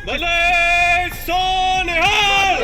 भले सोनिहाल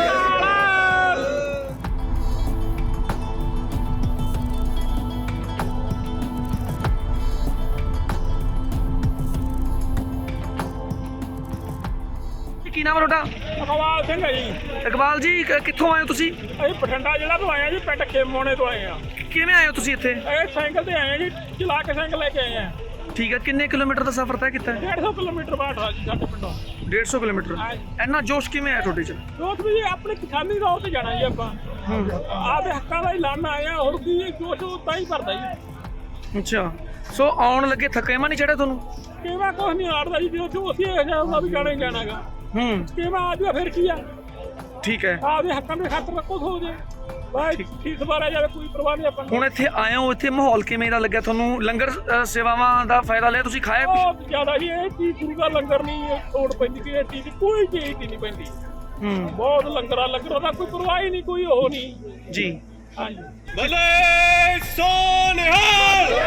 ਕੀ ਨਾਮ ਹੈ ਤੁਹਾਡਾ? ਇਕਬਾਲ ਸਿੰਘ ਹੈ ਜੀ। ਇਕਬਾਲ ਜੀ ਕਿੱਥੋਂ ਆਏ ਹੋ ਤੁਸੀਂ? ਅਸੀਂ ਬਠਿੰਡਾ ਜ਼ਿਲ੍ਹਾ ਤੋਂ ਆਏ ਆ ਜੀ, ਪਿੰਡ ਖੇਮੋਣੇ ਤੋਂ ਆਏ ਆ। ਕਿਵੇਂ ਆਏ ਹੋ ਤੁਸੀਂ ਇੱਥੇ? ਇਹ ਸਾਈਕਲ ਤੇ ਆਏ ਆ ਜੀ, ਚਲਾ ਕੇ ਸਾਈਕਲ ਲੈ ਕੇ ਆਏ ਆ। ਠੀਕ ਹੈ, ਕਿੰਨੇ ਕਿਲੋਮੀਟਰ ਦਾ ਸਫ਼ਰ ਤੈਅ ਕੀਤਾ? 150 ਕਿਲੋਮੀਟਰ ਬਾਅਦ ਆ ਜੀ ਸਾਡੇ ਪਿੰਡੋਂ। 150 ਕਿਲੋਮੀਟਰ। ਇੰਨਾ ਜੋਸ਼ ਕਿਵੇਂ ਆਇਆ ਤੁਹਾਡੇ 'ਚ? ਦੋਸਤ ਵੀ ਜੀ ਆਪਣੇ ਕਿਸਾਨੀ ਤੌਰ ਤੇ ਜਾਣਾ ਜੀ ਆਪਾਂ। ਆਪਦੇ ਹੱਕਾਂ ਦਾ ਹੀ ਲੜਨ ਆਏ ਆ, ਹੋਰ ਕੀ ਜੋਸ਼ ਤਾਂ ਹੀ ਭਰਦਾ ਜੀ। ਅੱਛਾ, ਸੋ ਆਉਣ ਲੱਗੇ ਥਕੇਵਾਂ ਨਹੀਂ ਚੜਿਆ ਤੁਹਾਨੂੰ? ਕਿਵੇਂ ਕੁਛ ਨਹੀਂ ਆੜਦਾ ਜੀ, ਜੋ ਅਸੀਂ ਇਹ ਜਾਊਗਾ ਵੀ ਜਾਣਾ ਹੀ ਜਾਣਾਗਾ। ਕਿਵੇਂ ਆ ਜੂਆ ਫਿਰ ਕੀ ਆ, ਠੀਕ ਹੈ। ਆਪਦੇ ਹੱਕਾਂ ਦੇ ਖਾਤਰ ਕੁਛ ਹੋ ਜੇ ਬਾਈ ਠੀਕ ਸਵਾਰਿਆ ਜਾਵੇ, ਕੋਈ ਪਰਵਾਹ ਨਹੀਂ ਆਪਾਂ ਨੂੰ। ਹੁਣ ਇੱਥੇ ਆਏ ਹੋ, ਇੱਥੇ ਮਾਹੌਲ ਕਿਵੇਂ ਦਾ ਲੱਗਿਆ ਤੁਹਾਨੂੰ? ਲੰਗਰ ਸੇਵਾਵਾਂ ਦਾ ਫਾਇਦਾ ਲਿਆ ਤੁਸੀਂ? ਖਾਇਆ ਕੁਛ? ਬਹੁਤ ਜ਼ਿਆਦਾ ਜੀ, ਇਹ ਚੀਜ਼ ਗੁਰੂ ਦਾ ਲੰਗਰ ਨਹੀਂ ਤੋੜ ਪੈਂਦੀ, ਕਿ ਇਹ ਚੀਜ਼ ਕੋਈ ਚੀਜ਼ ਦੀ ਨਹੀਂ ਪੈਂਦੀ। ਬਹੁਤ ਲੰਗਰਾਂ ਦਾ ਕੋਈ ਪਰਵਾਹ ਹੀ ਨਹੀਂ, ਕੋਈ ਉਹ ਨਹੀਂ ਜੀ। ਹਾਂਜੀ। भले सोनिहाल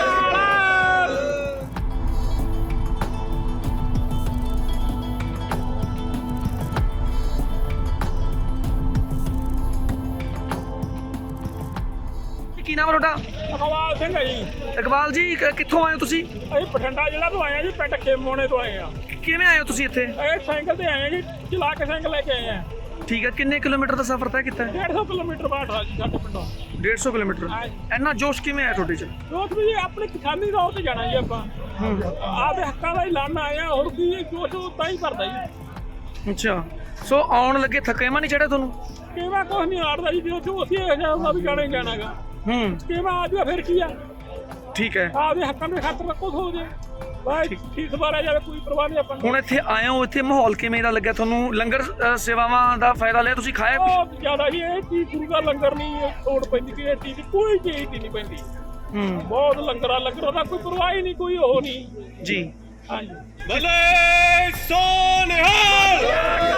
ਕੀ ਨਾਮ ਹੈ ਤੁਹਾਡਾ? ਇਕਬਾਲ ਸਿੰਘ ਹੈ ਜੀ। ਇਕਬਾਲ ਜੀ ਕਿੱਥੋਂ ਆਏ ਹੋ ਤੁਸੀਂ? ਅਸੀਂ ਬਠਿੰਡਾ ਜ਼ਿਲ੍ਹਾ ਤੋਂ ਆਏ ਆ ਜੀ, ਪਿੰਡ ਖੇਮੋਣੇ ਤੋਂ ਆਏ ਆ। ਕਿਵੇਂ ਆਏ ਹੋ ਤੁਸੀਂ ਇੱਥੇ? ਇਹ ਸਾਈਕਲ ਤੇ ਆਏ ਆ ਜੀ, ਚਲਾ ਕੇ ਸਾਈਕਲ ਲੈ ਕੇ ਆਏ ਆ। ਠੀਕ ਹੈ, ਕਿੰਨੇ ਕਿਲੋਮੀਟਰ ਦਾ ਸਫ਼ਰ ਤੈਅ ਕੀਤਾ? 150 ਕਿਲੋਮੀਟਰ ਬਾਅਦ ਆ ਜੀ ਸਾਡੇ ਪਿੰਡੋਂ। 150 ਕਿਲੋਮੀਟਰ। ਇੰਨਾ ਜੋਸ਼ ਕਿਵੇਂ ਆਇਆ ਤੁਹਾਡੇ 'ਚ? ਦੋਸਤ ਵੀ ਜੀ ਆਪਣੇ ਕਿਸਾਨੀ ਤੌਰ ਤੇ ਜਾਣਾ ਜੀ ਆਪਾਂ। ਆਪਦੇ ਹੱਕਾਂ ਦਾ ਹੀ ਲੜਨ ਆਏ ਆ, ਹੋਰ ਕੀ ਜੋਸ਼ ਤਾਂ ਹੀ ਭਰਦਾ ਜੀ। ਅੱਛਾ, ਸੋ ਆਉਣ ਲੱਗੇ ਥਕੇਵਾਂ ਨਹੀਂ ਚੜਿਆ ਤੁਹਾਨੂੰ? ਕਿਵੇਂ ਕੁਛ ਨਹੀਂ ਆੜਦਾ ਜੀ, ਜੋ ਅਸੀਂ ਇਹ ਜਾਊਗਾ ਵੀ ਜਾਣਾ ਹੀ ਜਾਣਾਗਾ। ਕਿਵੇਂ ਆ ਜੂਆ ਫਿਰ ਕੀ ਆ, ਠੀਕ ਹੈ। ਆਪਦੇ ਹੱਕਾਂ ਦੇ ਖਾਤਰ ਕੁਛ ਹੋ ਜੇ ਬਾਈ ਠੀਕ ਸਵਾਰਿਆ ਜਾਵੇ, ਕੋਈ ਪਰਵਾਹ ਨਹੀਂ ਆਪਾਂ ਨੂੰ। ਹੁਣ ਇੱਥੇ ਆਏ ਹੋ, ਇੱਥੇ ਮਾਹੌਲ ਕਿਵੇਂ ਦਾ ਲੱਗਿਆ ਤੁਹਾਨੂੰ? ਲੰਗਰ ਸੇਵਾਵਾਂ ਦਾ ਫਾਇਦਾ ਲਿਆ ਤੁਸੀਂ? ਖਾਇਆ ਕੁਛ? ਬਹੁਤ ਜ਼ਿਆਦਾ ਜੀ, ਇਹ ਚੀਜ਼ ਗੁਰੂ ਦਾ ਲੰਗਰ ਨਹੀਂ ਤੋੜ ਪੈਂਦੀ, ਕਿ ਇਹ ਚੀਜ਼ ਕੋਈ ਚੀਜ਼ ਦੀ ਨਹੀਂ ਪੈਂਦੀ। ਬਹੁਤ ਲੰਗਰਾਂ ਦਾ ਕੋਈ ਪਰਵਾਹ ਹੀ ਨਹੀਂ, ਕੋਈ ਉਹ ਨਹੀਂ ਜੀ। ਹਾਂਜੀ। भले सोनिहाल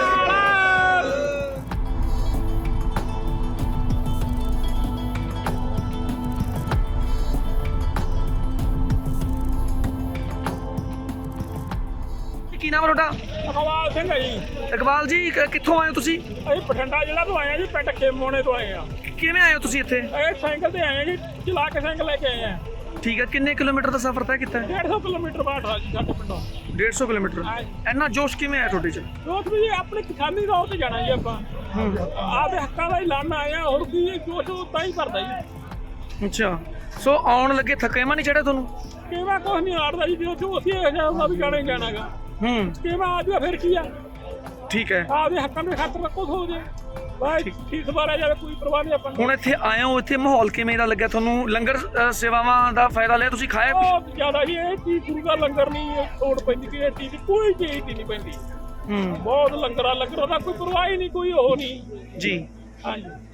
ਕੀ ਨਾਮ ਹੈ ਤੁਹਾਡਾ? ਇਕਬਾਲ ਸਿੰਘ ਹੈ ਜੀ। ਇਕਬਾਲ ਜੀ ਕਿੱਥੋਂ ਆਏ ਹੋ ਤੁਸੀਂ? ਅਸੀਂ ਬਠਿੰਡਾ ਜ਼ਿਲ੍ਹਾ ਤੋਂ ਆਏ ਆ ਜੀ, ਪਿੰਡ ਖੇਮੋਣੇ ਤੋਂ ਆਏ ਆ। ਕਿਵੇਂ ਆਏ ਹੋ ਤੁਸੀਂ ਇੱਥੇ? ਇਹ ਸਾਈਕਲ ਤੇ ਆਏ ਆ ਜੀ, ਚਲਾ ਕੇ ਸਾਈਕਲ ਲੈ ਕੇ ਆਏ ਆ। ਠੀਕ ਹੈ, ਕਿੰਨੇ ਕਿਲੋਮੀਟਰ ਦਾ ਸਫ਼ਰ ਤੈਅ ਕੀਤਾ? 150 ਕਿਲੋਮੀਟਰ ਬਾਅਦ ਆ ਜੀ ਸਾਡੇ ਪਿੰਡੋਂ। 150 ਕਿਲੋਮੀਟਰ। ਇੰਨਾ ਜੋਸ਼ ਕਿਵੇਂ ਆਇਆ ਤੁਹਾਡੇ 'ਚ? ਦੋਸਤ ਵੀ ਜੀ ਆਪਣੇ ਕਿਸਾਨੀ ਤੌਰ ਤੇ ਜਾਣਾ ਜੀ ਆਪਾਂ। ਆਪਦੇ ਹੱਕਾਂ ਦਾ ਹੀ ਲੜਨ ਆਏ ਆ, ਹੋਰ ਕੀ ਜੋਸ਼ ਤਾਂ ਹੀ ਭਰਦਾ ਜੀ। ਅੱਛਾ, ਸੋ ਆਉਣ ਲੱਗੇ ਥਕੇਵਾਂ ਨਹੀਂ ਚੜਿਆ ਤੁਹਾਨੂੰ? ਕਿਵੇਂ ਕੁਛ ਨਹੀਂ ਆੜਦਾ ਜੀ, ਜੋ ਅਸੀਂ ਇਹ ਜਾਊਗਾ ਵੀ ਜਾਣਾ ਹੀ ਜਾਣਾਗਾ। ਕਿਵੇਂ ਆ ਜੂਆ ਫਿਰ ਕੀ ਆ, ਠੀਕ ਹੈ। ਆਪਦੇ ਹੱਕਾਂ ਦੇ ਖਾਤਰ ਕੁਛ ਹੋ ਜੇ ਬਾਈ ਠੀਕ ਸਵਾਰਿਆ ਜਾਵੇ, ਕੋਈ ਪਰਵਾਹ ਨਹੀਂ ਆਪਾਂ ਨੂੰ। ਹੁਣ ਇੱਥੇ ਆਏ ਹੋ, ਇੱਥੇ ਮਾਹੌਲ ਕਿਵੇਂ ਦਾ ਲੱਗਿਆ ਤੁਹਾਨੂੰ? ਲੰਗਰ ਸੇਵਾਵਾਂ ਦਾ ਫਾਇਦਾ ਲਿਆ ਤੁਸੀਂ? ਖਾਇਆ ਕੁਛ? ਬਹੁਤ ਜ਼ਿਆਦਾ ਜੀ, ਇਹ ਚੀਜ਼ ਗੁਰੂ ਦਾ ਲੰਗਰ ਨਹੀਂ ਤੋੜ ਪੈਂਦੀ, ਕਿ ਇਹ ਚੀਜ਼ ਕੋਈ ਚੀਜ਼ ਦੀ ਨਹੀਂ ਪੈਂਦੀ। ਬਹੁਤ ਲੰਗਰਾਂ ਦਾ ਕੋਈ ਪਰਵਾਹ ਹੀ ਨਹੀਂ, ਕੋਈ ਉਹ ਨਹੀਂ ਜੀ। ਹਾਂਜੀ।